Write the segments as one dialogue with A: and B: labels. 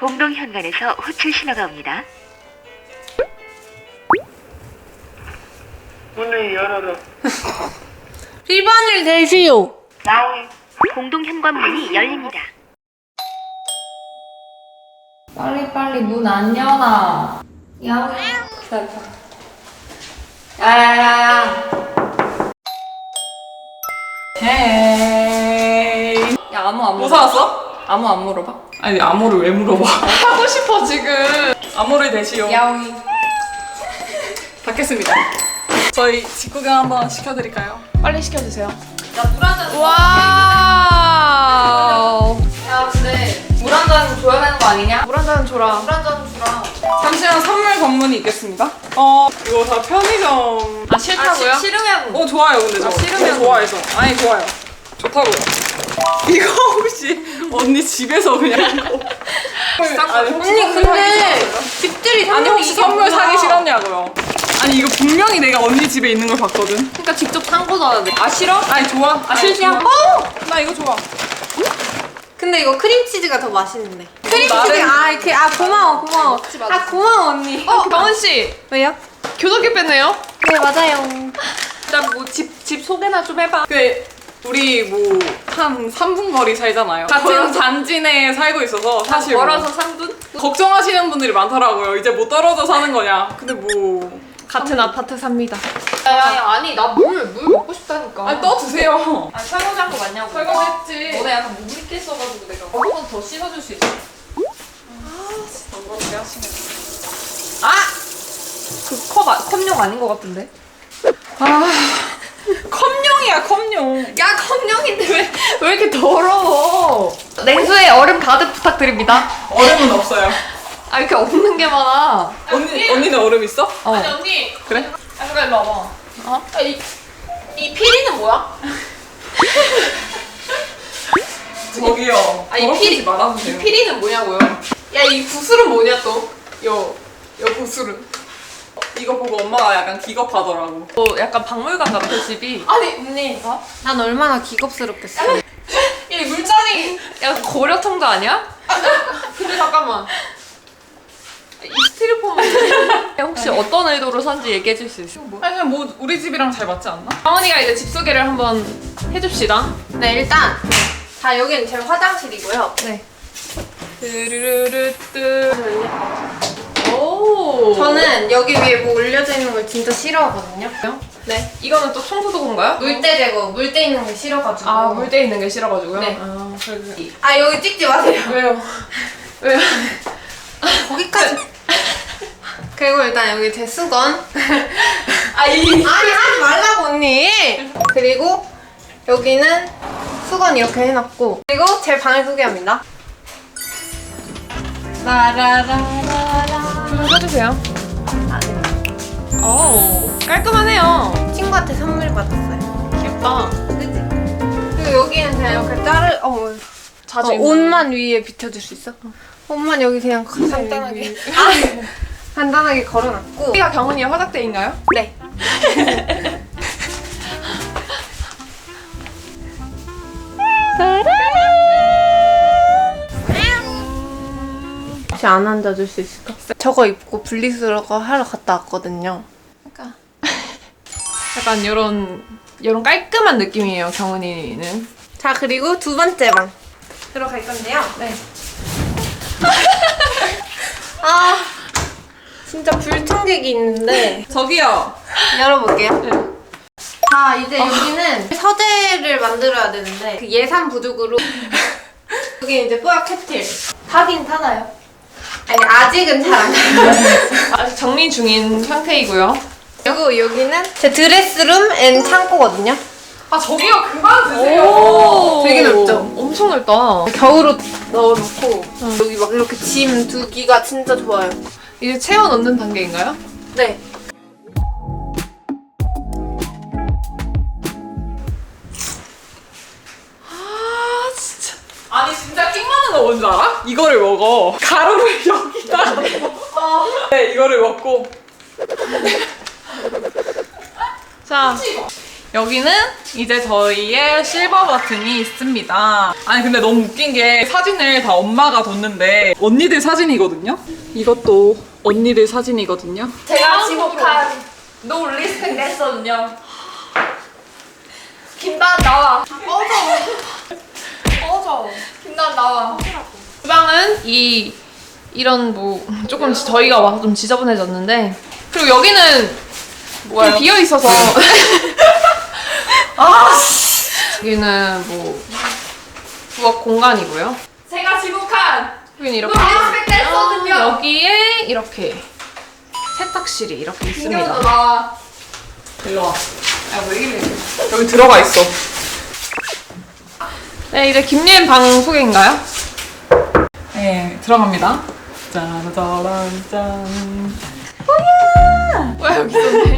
A: 공동 현관에서 호출 신호가 옵니다.
B: 문을 열어라.
C: 비번을 대시오.
B: 나오이.
A: 공동 현관 문이 열립니다.
C: 빨리 문 안 여나. 야옹. 기다려. 야야야야.
D: 헤이.
C: 야 아무 안
D: 뭐
C: 물어봐.
D: 사왔어?
C: 아무 안 물어봐.
D: 아니 암호를 왜 물어봐? 하고 싶어 지금. 암호를 대시오.
C: 야옹이.
D: 받겠습니다. 저희 직구경 한번 시켜드릴까요?
C: 빨리 시켜주세요. 야 물 한 잔.
D: 와우.
C: 야 근데 물 한 잔 줘야 되는 거 아니냐?
D: 물 한 잔 줘라.
C: 물 한 잔 주라.
D: 잠시만 선물 관문이 있겠습니다. 이거 다 편의점.
C: 아 싫다고요? 싫으면.
D: 좋아요 근데 저.
C: 싫으면
D: 좋아해서. 아니 좋아요. 좋다고요. 이거 혹시 언니 집에서 그냥 이거. 아니, 혹시
C: 언니
D: 선물
C: 근데
D: 사기 싫어요?
C: 집들이
D: 아니 혹시 선물 사기 싫었냐고요? 아니 이거 분명히 내가 언니 집에 있는 걸 봤거든.
C: 그러니까 직접 산 거잖아. 아 싫어?
D: 아니 좋아.
C: 아 싫냐?
D: 나 이거 좋아.
E: 근데 이거 크림치즈가 더 맛있는데. 크림치즈
D: 나름-
E: 고마워.
C: 먹지 마.
E: 아 고마워 언니.
C: 경은 씨
E: 왜요?
C: 교도기 뺐네요.
E: 네 맞아요.
C: 일단 뭐 집 소개나 좀 해봐.
D: 우리 뭐 한 3분 거리 살잖아요. 같은
C: 멀어서?
D: 단지 내에 살고 있어서 사실 뭐
C: 멀어서 3분?
D: 걱정하시는 분들이 많더라고요. 이제 못 떨어져 사는 거냐. 근데 뭐
C: 같은 아파트 삽니다.
E: 야야야 아니 나 물 먹고 싶다니까.
D: 아니 떠 드세요.
C: 아 설거지한 거 맞냐고.
D: 설거지했지.
C: 너네 약간 물 있게 써가지고 내가 한 번 더 씻어줄 수 있어.
D: 그렇게 하시네.
C: 아! 그 컵용 아닌 것 같은데?
D: 컵용이야 컵용.
C: 야 컵용인데 왜 이렇게 더러워? 냉수에 얼음 가득 부탁드립니다.
D: 얼음은 없어요.
C: 아 이렇게 없는 게 많아.
D: 언니는 얼음 있어?
C: 아니
E: 언니.
D: 그래?
E: 아 잠깐 일로 와봐.
C: 어?
E: 이 피리는 뭐야?
D: 저기요.
E: 아니,
D: 더럽히지
E: 피리-
D: 말아주세요.
E: 이 피리는 뭐냐고요? 야 이 구슬은 뭐냐 또? 요 구슬은.
D: 이거 보고 엄마가 약간 기겁하더라고.
C: 약간 박물관 같아 집이.
E: 아니 언니. 난 얼마나 기겁스럽겠어.
C: 이 물잔이 약간 고려통도 아니야?
E: 근데 잠깐만.
C: 이 스티로폼은 혹시 어떤 의도로 산지 얘기해 줄 수 있어?
D: 아니 그냥 뭐 우리 집이랑 잘 맞지 않나?
C: 강원이가 이제 집 소개를 한번 해줍시다.
E: 네 일단 자 여기는 제 화장실이고요.
C: 네. 뚜루루뚜. 오.
E: 저는 여기 위에 뭐 올려져 있는 걸 진짜 싫어하거든요.
C: 네. 이거는 또 청소도구인가요?
E: 물때 제거, 물때 있는 게 싫어가지고.
C: 아 물때 있는 게 싫어가지고요.
E: 네.
C: 아, 그래서-
E: 아 여기 찍지 마세요.
C: 왜요? 왜요?
E: 거기까지. 그리고 일단 여기 제 수건.
C: 아이.
E: 아니 하지 말라고 언니. 그리고 여기는 수건 이렇게 해놨고. 그리고 제 방을 소개합니다. 라라라라라.
C: 좀 써주세요.
E: 아, 네.
C: 오 깔끔하네요.
E: 친구한테 선물 받았어요.
C: 귀엽다.
E: 그치? 그리고 여기는 그냥 이렇게
C: 자주 입는
E: 옷만 위에 비춰줄 수 있어? 옷만 여기 그냥 간단하게. 간단하게 걸어놨고.
C: 여기가 경은이의 화장대인가요?
E: 네. 혹시 안 앉아줄 수 있을까? 저거 입고 분리수거 하러 갔다 왔거든요.
C: 약간 이런 깔끔한 느낌이에요 경은이는.
E: 자 그리고 두 번째 방 들어갈 건데요.
C: 네.
E: 아 진짜 불청객이 있는데
D: 저기요.
E: 열어볼게요.
C: 네.
E: 자 이제 여기는 서재를 만들어야 되는데 그 예산 부족으로 여기 이제 뽀약 캡틸 타긴 타나요? 아니 아직은 잘 안 타요.
C: 아직 정리 중인 상태이고요.
E: 그리고 여기는 제 드레스룸 앤 창고거든요.
D: 아 저기요 그만 드세요.
C: 오,
E: 되게 넓죠?
C: 엄청 넓다.
E: 겨울옷 넣어놓고 여기 막 이렇게 짐 두기가 진짜 좋아요.
C: 이제 채워 넣는 단계인가요?
E: 네.
C: 아 진짜.
D: 아니 진짜 킹받는 거 뭔지 알아? 이거를 먹어. 가루를 여기다가 넣어. 네 이거를 먹고.
C: 자
D: 여기는 이제 저희의 실버 버튼이 있습니다. 아니 근데 너무 웃긴 게 사진을 다 엄마가 뒀는데 언니들 사진이거든요? 이것도 언니들 사진이거든요?
C: 제가 지목한 노 리스펙 냈거든요. 김다은 나와. 꺼져. 김다은 나와. 주방은 이런 뭐 조금 저희가 와서 좀 지저분해졌는데 그리고 여기는 좀 비어 있어서 여기는 뭐 부엌 공간이고요. 제가 지목한 여기는 이렇게 있거든요. 여기에 이렇게 세탁실이 이렇게 있습니다. 나와.
D: 일로 와. 왜 이래? 여기 들어가 있어.
C: 네, 이제 김예은 방 소개인가요?
D: 네, 들어갑니다. 짜라짜란 짠.
C: 왜 여기 있었네?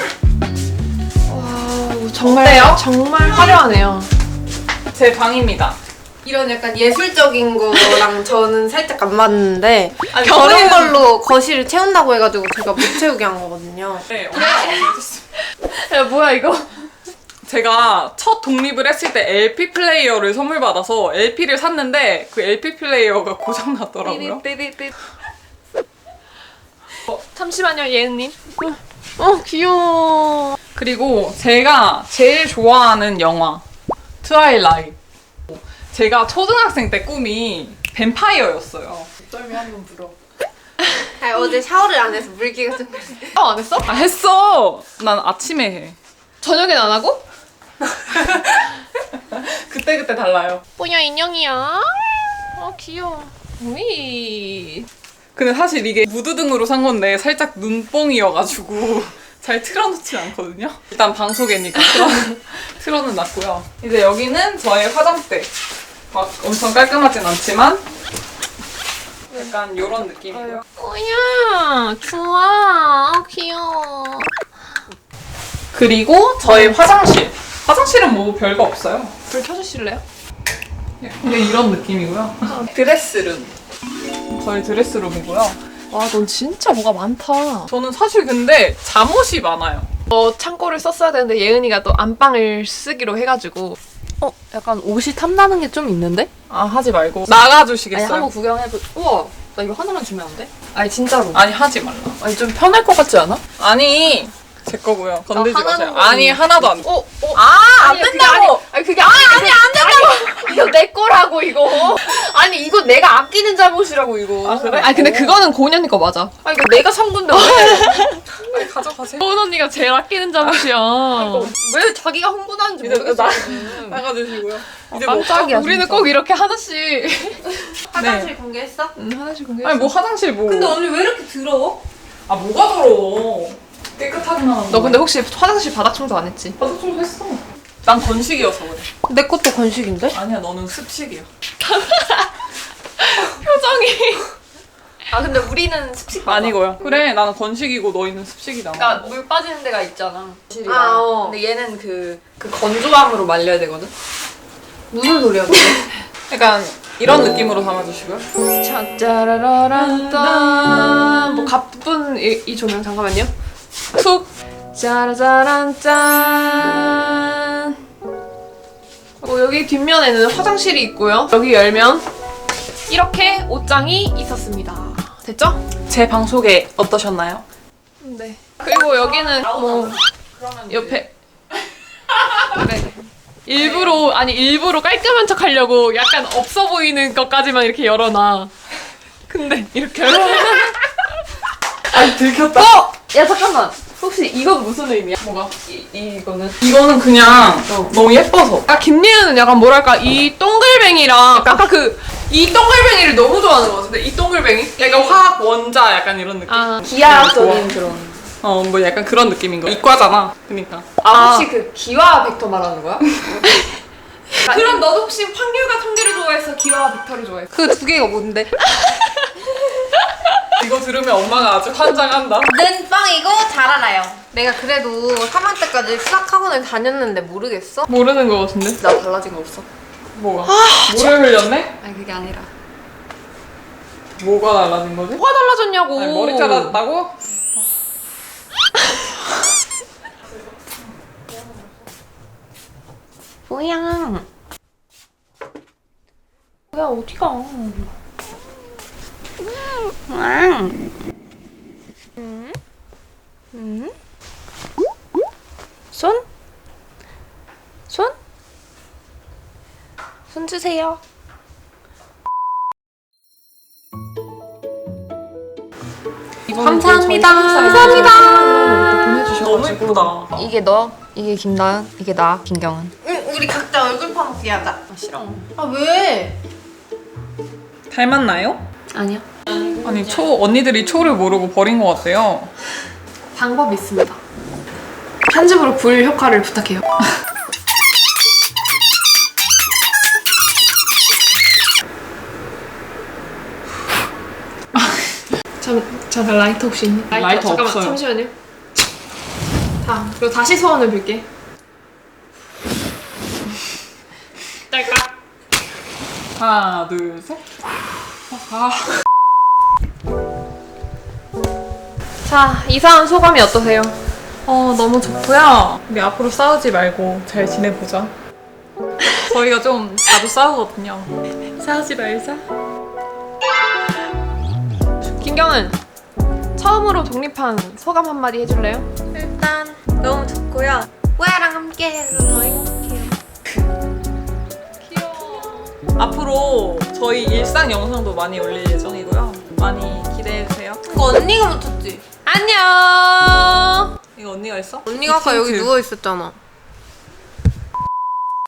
C: 와, 정말 화려하네요.
D: 제 방입니다.
E: 이런 약간 예술적인 거랑 저는 살짝 안 맞는데
D: 아니,
E: 저런
D: 저는-
E: 걸로 거실을 채운다고 해가지고 제가 못 채우게 한 거거든요.
D: 네, 엄마가 알려줬어요.
C: 야, 뭐야 이거?
D: 제가 첫 독립을 했을 때 LP 플레이어를 선물 받아서 LP를 샀는데 그 LP 플레이어가 고장 났더라고요.
C: 삐삐삐삐. 잠시만요, 예은님. 귀여워.
D: 그리고 제가 제일 좋아하는 영화 트와일라이트. 제가 초등학생 때 꿈이 뱀파이어였어요. 썰미 한번 불어.
E: 아니, 어제 샤워를 안 해서 물기가 좀
C: 안 했어?
D: 아 했어. 난 아침에 해.
C: 저녁엔 안 하고?
D: 그때 달라요.
C: 뭐야 인형이야? 귀여워. 우이.
D: 근데 사실 이게 무드등으로 산 건데 살짝 눈뽕이어가지고 잘 틀어놓진 않거든요. 일단 방 소개니까 틀어는 놨고요. 이제 여기는 저의 화장대. 막 엄청 깔끔하진 않지만 약간 이런 느낌이고요.
C: 뭐야 좋아. 귀여워.
D: 그리고 저의 화장실. 화장실은 뭐 별거 없어요.
C: 불 켜주실래요?
D: 근데 이런 느낌이고요. 드레스룸. 저희 드레스룸이고요.
C: 와, 넌 진짜 뭐가 많다.
D: 저는 사실 근데 잠옷이 많아요.
C: 창고를 썼어야 되는데 예은이가 또 안방을 쓰기로 해가지고 약간 옷이 탐나는 게 좀 있는데?
D: 아 하지 말고 나가주시겠어요?
C: 아니 한번 구경해보. 우와, 나 이거 하나만 주면 안 돼? 아니 진짜로.
D: 아니 하지 말라.
C: 아니 좀 편할 것 같지 않아?
D: 아니 제 거고요. 건들지
C: 하나는
D: 마세요.
C: 거는-
D: 아니 하나도 안 돼.
C: 안
D: 안 된다고!
C: 아니 그게 아니 안 된다고. 이거 내 거라고 이거. 아니 이거 내가 아끼는 잠옷이라고 이거.
D: 아, 그래?
C: 아니 근데 그거는 고은 언니 거 맞아. 아니 이거 내가 산 건데 왜?
D: 빨리 가져가세요.
C: 고은 언니가 제일 아끼는 잠옷이야. 왜 자기가 흥분하는지
D: 이제
C: 모르겠어.
D: 나가주시고요. 이제
C: 깜짝이야. 우리는 꼭 이렇게 하나씩.
E: 화장실 공개했어?
C: 하나씩 공개.
D: 아니 뭐 화장실 뭐.
E: 근데 언니 왜 이렇게 더러워?
D: 아 뭐가 더러워. 깨끗하기만 하는
C: 너 근데 혹시 화장실 바닥 청소 안 했지?
D: 바닥 좀 했어. 난 건식이어서 그래.
E: 내 것도 건식인데?
D: 아니야 너는 습식이야.
C: 표정이. 아 근데 우리는 습식 맞아.
D: 아니고요. 그래 나는 건식이고 너희는 습식이잖아.
C: 그러니까 물 빠지는 데가 있잖아.
E: 아, 어.
C: 근데 얘는 그 건조함으로 말려야 되거든.
E: 무슨 소리야 그게?
D: 약간 이런 느낌으로 담아주시고요.
C: 짜라라란짠. 뭐 가쁜 이 조명 잠깐만요. 툭. 짜라짜란 짠. 여기 뒷면에는 화장실이 있고요. 여기 열면 이렇게 옷장이 있었습니다. 됐죠?
D: 제 방 소개 어떠셨나요?
C: 네. 그리고 여기는 뭐 옆에 네. 일부러 깔끔한 척 하려고 약간 없어 보이는 것까지만 이렇게 열어놔. 근데 이렇게
D: 아니 들켰다.
C: 야 잠깐만. 혹시 이건 무슨 의미야?
D: 뭐가?
C: 이거는?
D: 이거는 그냥 너무 예뻐서.
C: 김예은은 약간 뭐랄까 이 동글뱅이랑 아까 이 동글뱅이를 너무 좋아하는 것 같은데 이 동글뱅이?
D: 약간 화학 원자 약간 이런 느낌.
C: 기하학적인 그런.
D: 뭐 약간 그런 느낌인 거야. 이과잖아. 그러니까.
C: 혹시 그 기와 벡터 말하는 거야? 그럼 너도 혹시 확률과 통계를 좋아해서 기와와 벡터를 좋아해?
E: 그 두 개가 뭔데?
D: 이거 들으면 엄마가 아주 환장한다.
E: 는 빵이고 잘 알아요. 내가 그래도 3학 때까지 수학학원을 다녔는데 모르겠어?
C: 모르는 거 같은데? 나 달라진 거 없어?
D: 뭐가? 물을 흘렸네?
C: 아니 그게 아니라
D: 뭐가 달라진 거지?
C: 뭐가 달라졌냐고.
D: 아니, 머리 잘랐다고?
E: 뭐야?
C: 뭐야 어디가?
E: 왕. 손? 손? 손 주세요. 감사합니다.
C: 감사합니다. 보내주셔가지고
D: 너무 예쁘다.
C: 이게 너, 이게 김나연, 이게 나, 김경은.
E: 응, 우리 각자 얼굴 파먹기 하자.
C: 아 싫어.
E: 아 왜?
D: 닮았나요?
C: 아니야.
D: 아니 언니들이 초를 모르고 버린 것 같아요.
C: 방법이 있습니다. 편집으로 불 효과를 부탁해요. 잠깐 라이터 혹시 있니?
D: 라이터
C: 잠깐만
D: 없어요.
C: 잠시만요. 자 그리고 다시 소원을 빌게. 딸깍.
D: 하나, 둘, 셋. 아.
C: 자 이사한 소감이 어떠세요?
D: 너무 좋고요. 우리 앞으로 싸우지 말고 잘 지내보자. 저희가 좀 자주 싸우거든요. 싸우지 말자.
C: 김경은 처음으로 독립한 소감 한마디 해줄래요?
E: 일단 너무 좋고요. 뽀야랑 함께해서 더 행복해요.
D: 앞으로 저희 일상 영상도 많이 올릴 예정이고요. 많이 기대해주세요.
E: 이거 언니가 묻혔지?
C: 안녕.
D: 이거 언니가 했어?
E: 언니가 아까 여기 누워 있었잖아.